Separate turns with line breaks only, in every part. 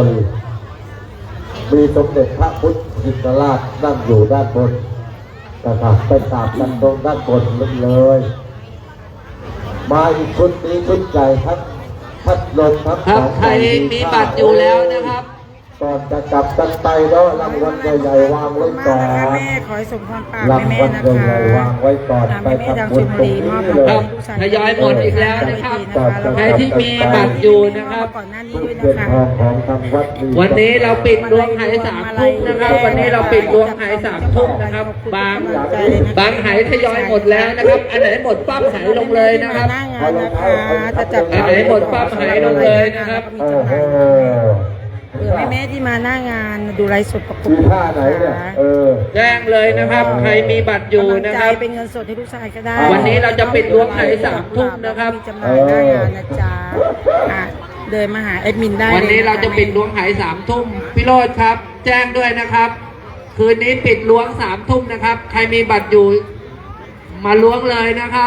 นมีสมเด็จพระพุทธชินราชนั่งอยู่ด้านบนนะครับไปกราบกันตรงด้านบนเลยมาอีกชุดนี้ชุดใหญ่ทั้งพัดลมทั้ง
ครับใครมีบัตรอยู่แล้วนะครับ
ก่อนจะกลับกันไปเนาะรางวัลใหญ่ๆวางไว้ก่อน
แม่ขอให้สมพรปาก
รางวัลใหญ่ๆวางไว้ก่อนไปทำบุญตรงนี้เลย
ครับทยอยหมดอีกแล้วนะครับใครที่มีบัตรอยู่นะครับ
ก่อนหน้านี้ด้วย
เงิน
นะ
ท
คะ
องของทางวัด
วันนี้เราปิดดวงหาย3 ทุ่มนะครับ วันนี้เราปิดดวงหาย3 ทุ่มนะครับบางหายทยอยหมดแล้วนะครับ อันไหนหมดปั๊บหายลงเลยนะครับ
หน้างานนะคะจะจับ
อันไหนหมดปั๊บหายลงเลยนะครับ
โอ้โห
เผื่อแม่ที่มาหน้างานดูไลฟ์สดประกบ
มีท่าไหนเนี่ย
แจ้งเลยนะครับ ใครมีบัตรอยู่นะครับ
เป็นเงินสดให้ลูกชายก็ได้
วันนี้เราจะปิดดวงหาย3 ทุ่มนะครับ
มีจำหน่ายหน้างานนะจ๊ะเดินมาหาแอดมินได้
วันนี้เราจะปิดล้วงหาย3 ทุ่มพี่โรจน์ครับ แจ้งด้วยนะครับ คืนนี้ปิดล้วง3 ทุ่มนะครับ ใครมีบัตรอยู่มาล้วงเลยนะครับ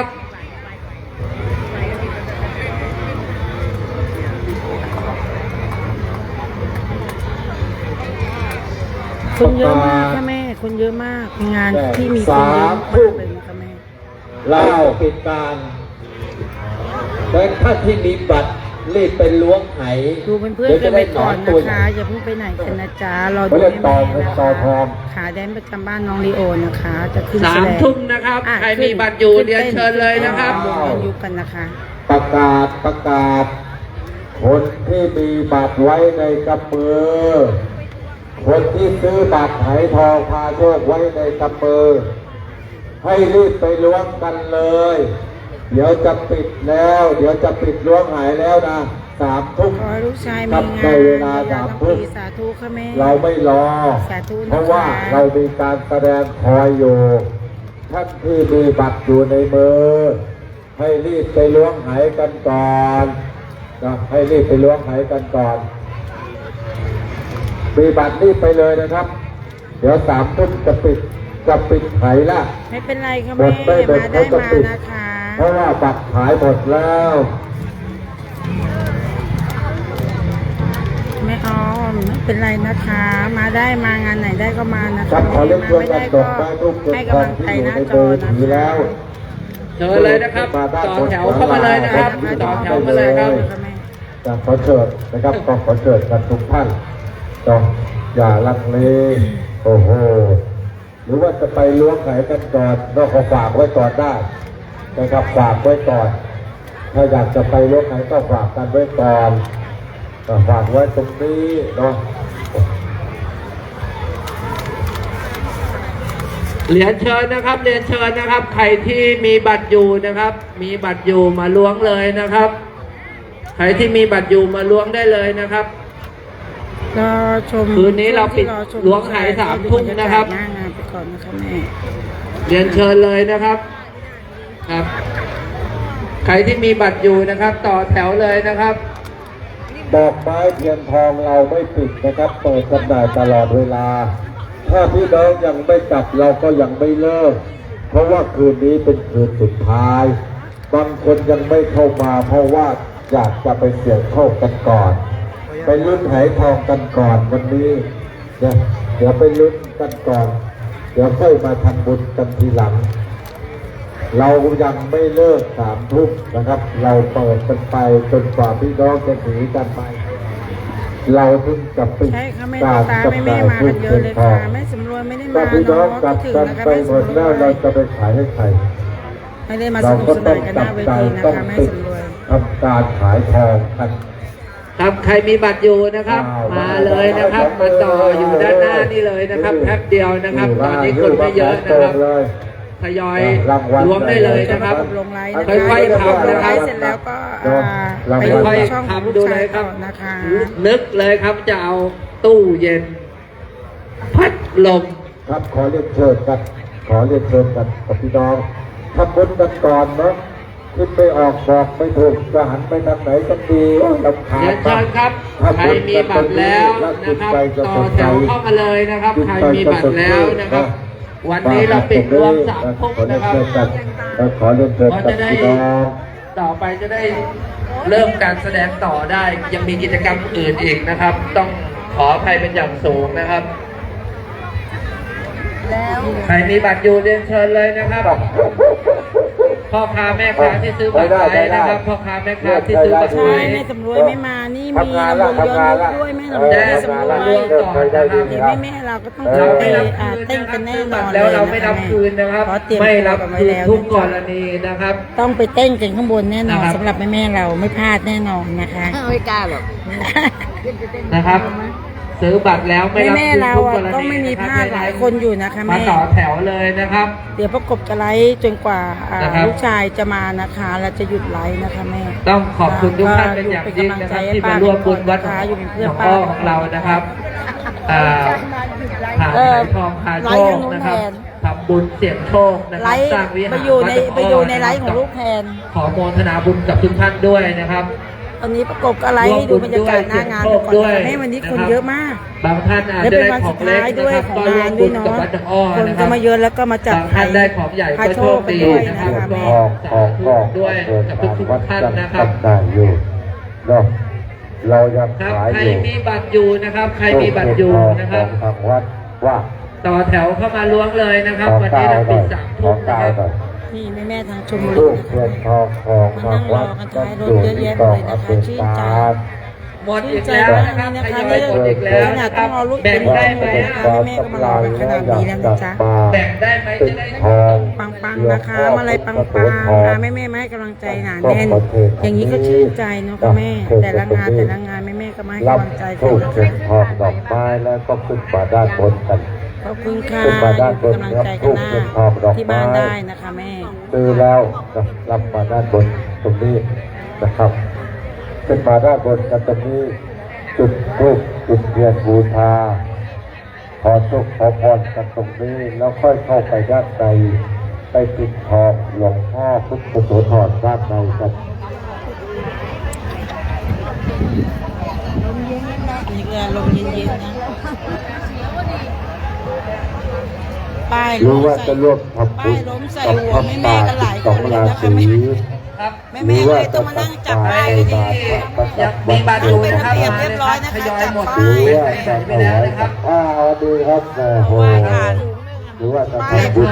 คนเยอะมากค่ะแม่คนเยอะมากงานที่มีคนเยอะมากเลยค่ะแม่
เล่าปิดการแต่ถ้าที่มีบัตรรีบไปล้วงไห
ดูเพื่อนๆกันไปก่อนนะคะอย่าเพิ่งไปไหนกันนะจ๊ะรอดูแม่นะคะขาแดนประจำบ้านน้องลีโอนะคะจะขึ้นแสดง
3 ทุ่มนะครับ ใครมีบัตรอยู่เรียนเชิญเลยนะครับ
วงยุกันนะคะ
ประกาศคนที่มีบัตรไว้ในกำมือคนที่ซื้อบัตรไหทองพาโชคไว้ในกำมือให้รีบไปล้วงกันเลยเดี๋ยวจะปิดแล้วเดี๋ยวจะปิดล้วงหายแล้วนะ3 ทุ่ม
ขอให้ลูกชายมี
กับ
งา
ใน
น
เวลา3 ทุ่ม
สาธุค่ะแม่
เราไม่รอ
สาธุนะคะ
เพราะว่าเรามีการแสดงคอยอยู่ท่านที่มีบัตรอยู่ในมือให้รีบไปล้วงหายกันก่อนนะให้รีบไปล้วงหายกันก่อนมีบัตรรีบไปเลยนะครับ เดี๋ยว3 ทุ่มจะปิดไขละ
ไม่เป็นไรค่ะ
หม
แม่
ดไม่หมด
มาได้
เขาจะ
มา
ปิด
นะคะ
เพราะว่าบัตรขายหมดแล้ว
ไม่อ้อมไม่เป็นไรนะคะ มาได้มางานไหนได้ก็มานะ
ครั
คะ
บขอเรียนเชิญ
ไม่
กั
ได้
นด
ก็
อกไม้ทุก
ให้
ทอก
ำลั
ง
ง
ที่
ใจ
อยู่
หน้า
ใน
จ
มื
อ
อ
นะ
ถือแล้ว
เชิญเลยนะครับต่อแถวเข้ามาเลยนะครับต่อแถวมาเลยครับ
จะขอเชิญนะครับก็ขอเชิญกันทุกท่านต้องอย่าลังเลโอ้โหหรือว่าจะไปล้วงไขกันก่อนก็ขอฝากไว้ก่อนได้นะครับฝากไว้ก่อนถ้าอยากจะไปล้วงไขก็ฝากกันไว้ก่อนฝากไว้ตรงนี้เนาะ
เรียนเชิญนะครับเรียนเชิญนะครับ ใครที่มีบัตรอยู่นะครับ มีบัตรอยู่มาล้วงเลยนะครับ ใครที่มีบัตรอยู่มาล้วงได้เลยนะครับ
รอชม
คืนนี้เราปิดล้วงขาย3 ทุ่มนะครับ
หน้างานไปก่อนนะคะแม่
เรียนเชิญเลยนะครับครับ ใครที่มีบัตรอยู่นะครับ ต่อแถวเลยนะครับ
ดอกไม้เทียนทองเราไม่ปิดนะครับเปิดจำหน่ายตลอดเวลาถ้าพี่น้องยังไม่กลับเราก็ยังไม่เลิกเพราะว่าคืนนี้เป็นคืนสุดท้ายบางคนยังไม่เข้ามาเพราะว่าอยากจะไปเสี่ยงโชคกันก่อนไปลุ้นไหทองกันก่อนวันนี้เนี่ยเดี๋ยวไปลุ้นกันก่อนเดี๋ยวค่อยมาทำบุญกันทีหลังเรายังไม่เลิก3 ทุ่มนะครับเราเปิดกันไปจนกว่าพี่น้องจะหนีกันไปเราถึงจะปิด
ใช่ค่ะแม่
การ
ตา
จำห
แม่
น่าย
มา
ทุ
กัน
ก
เย
เงิ
อะ
น
เลย
ทอ
ค่ะ
ง
แม่สำรวยไม่ได้
ถ้า
มา
พี่น้องกลับ
ถึง
กัน
นะคะ
ไป
แม่
หม
สำ
ด
ร
แล้ว
วย
เราจะไปขายให้ใคร
ไม่ได้มาส
เรา
นุก
ก็
ส
ต้
นา
อน ง
กันห
จั
น้า
บ
เว
ใจ
ทีนะ
ต้อง
คะแม่
ปิด
สำรวย
ทำการขายทองกัน
ครับใครมีบัตรอยู่นะครับ มาเลยนะครับ มาต่ออยู่ด้านหน้านี่เลยนะครับแป๊บเดียวนะครับ ตอนนี้คนไม่เยอะนะครับทยอยล้วงได้เลยนะครับ
ลงไลน์นะ
ค่อยๆทำนะค
ไล
รับ
ฟ์เสร็จแล้วก็ไป
ค่
ดู
อย
ช่อง
ๆ
ของลู
ทำดู
ก
เล
ชาย
ยค
ต่
รั
อบ นะคะ
นึกเลยครับจะเอาตู้เย็น พัดลม
ครับขอเรียนเชิญกันกับพี่น้องทำบุญกันก่อนเนาะขึ้นไปออกบอกไม่ถูกจะหันไปทางไหนกันดีลำคา
เรี
ญ
ยนเชิญครับ ใครมีบัตรแล้วนะครับ ต่อแถวเข้ามาเลยนะครับ ใครมีบัตรแล้วนะครับ วันนี้เราปิดรวม3 ทุ่มนะครับ
ขอเรียนเชิญกันพี่น้อง
ต่อไปจะได้เริ่มการแสดงต่อได้ยังมีกิจกรรมอื่นอีกนะครับ ต้องขออภัยเป็นอย่างสูงนะครับใครมีบัตรอยู่เรียนเชิญเลยนะครับพ่อค้าแม่ค้าที่ซื้อบัตรไว้นะครับพ่อค้าแม่ค้าที่ซื้อบัตร
ใช่
ไว้
แม่สำรวยไม่มานี่มีลำวงย้อนยุคด้วยแม่สำรวย
แม่สำรวย
นี่แม่เราก็ต้อง
เราไม่
ไป
รับคืน
เต้นกันแน่นอน
แล้วเราไม่รับคืนนะครับ
เพราะเตรียม
ไม่รับ
ตัวกันไว้
คืน
แล้ว
ทุกกรณีนะครับ
ต้องไปเต้นกันข้างบนแน่นอน
นะครับ
สำหรับแม่เราไม่พลาดแน่นอนนะคะ
ไม่กล้าหรอก
นะครับ ซื้อบัตรแล้วไม่รับ
แม่
คืน
เรา
ทุกก
อะ
รณี
ต้องไม่มีพลาดหลายคนอยู่นะคะ
มา
แม่
ต่อแถวเลยนะครับ
เดี๋ยวประกบจะไลฟ์จนกว่า
นะครับ
ลูกชายจะมานะคะเราจะหยุดไลฟ์นะคะแม่
ต้องขอบคุณทุกท่านเป็นอย่างยิ่งนะครับที่มาร่วมบุญวัดหน
อยู่เป็นเพื่อน
อง
ป้า
อ้อของเรานะครับหา
เออ
ขายทองหาโชคนะครับ
ไลฟ์กับ
ทำบุญเสี่ยงโชคนะค
ไล
รับ
ฟ์
สร้างวิหาร
ไปอยู่ใน
วัดหน
ไปอยู่ใน
ะครับ
ไลฟ์ของลูกแทน
ขอโมทนาบุญกับทุกท่านด้วยนะครับ
ตอนนี้ประกบก็ไลฟ์ให้ดูบรรยากาศหน้างานไปก่อนนะคะแม่วันนี้คนเยอะมาก
บางท่านอาจ
และ
จะ
เป็น
ได้
วัน
ขอ
สุ
ง
ด
เล็
ท้าย
ก
ด้วย
นะครับ
ของ
ก็ร่ว
งาม น
บุ
ด้วย
ญ
เนาะ
กับวัดหนองอ้อ
คน
นะค
ก็
รับ
มาเยอะแล้วก็มาจัด
บางท่านได้ของใหญ่
พา
ก็
โช
โช
ค
ค
ไป
ดี
ด้วย
นะ
นะ
ครั
คะ
บ
แม่
สาธุด้วยกับทุกท่านนะครับ
ได้อยู่เนาะเรายัง
ครับ
ขาย
ใคร
อยู่
มีบัตรอยู่นะครับ ใครมีบัตรอยู่นะครับ
ของทางวัดว่า
ต่อแถวเข้ามาล้วงเลยนะครับ
ของ
วัน
เก้า
นี้เรา
หน่
ปิ
อ
ด
ย
3
ข
ทุ่
อ
ม
ง
นะ
เก้า
ครับ
หน่อย
นี่แม่ทางชลบุรี
รูป
นะ
เทีย
คะ
นทองของทางวัด
มานั่งรอกัน
ก็
ท้ายรถ
อยู่
เยอะแยะ
ต่อ
เลยนะคะ
อเป็น
ชื่นใจ
การ
หมดอีกแล้วนะครับทยอยหมดอีกแล้วนะครับแบ่งได้ไหม
แม่ก็มารอกันขนาดนี้แล้วนะจ๊ะ
แบ่งได้ไหมจะได้
ทอง
ปังๆนะคะมาอะไรปังๆค่ะแม่ๆมาให้กำลังใจหนาแน่น อย่างนี้ก็ชื่นใจเนาะค่ะแม่ แต่ละงานแม่ๆก็มาให้
รับ
กำลังใจกั
ทู
น
บ
นะ
เทีย
คะ
นทองดอกไม้แล้วก็ขึ้นมาด้านบนกัน
ขอบคุณค่ะ
ขึ้นมาด้านบ
เป็น
น
กำลัง
ครับ
ใจ
ทู
กัน
บ
หน้า
เทียนทองดอก
ที่
ไม้
บ้านได้นะคะแม่
ซื้อแล้วรับมาด้านบนตรงนี้นะครับ ขึ้นมาด้านบนกันตรงนี้จุดทูบจุดเทียนบูชาขอโชคขอพรกันตรงนี้แล้วค่อยเข้าไปด้านในไปปิดทองหลวงพ่อพุทธโสธรด้านในกัน
นี่ก็ลมเย็นๆนะป้าย
หรื
ล้
อ
ม
ว่า
ใส่
จะร่วมทำบุญ
ป้ายล้มใส่
กับ
หัว
พระ
แม่
ป่า
ๆกันหลาย
สอง
คนเลย
รา
นะคะ
ศี
แม่
ครับ
แม่ๆเลยต้องมานั่งจับป้ายกันดี
ยังมีบัตรอยู่นะครับ
เป็นระเบียบเรียบร้อยนะคะ
ทยอยหมด
จัด
ห
ป้า
รือว่าจะถวายกับข้าวดีครับโอ้โหหรือว่าจะทำบุญ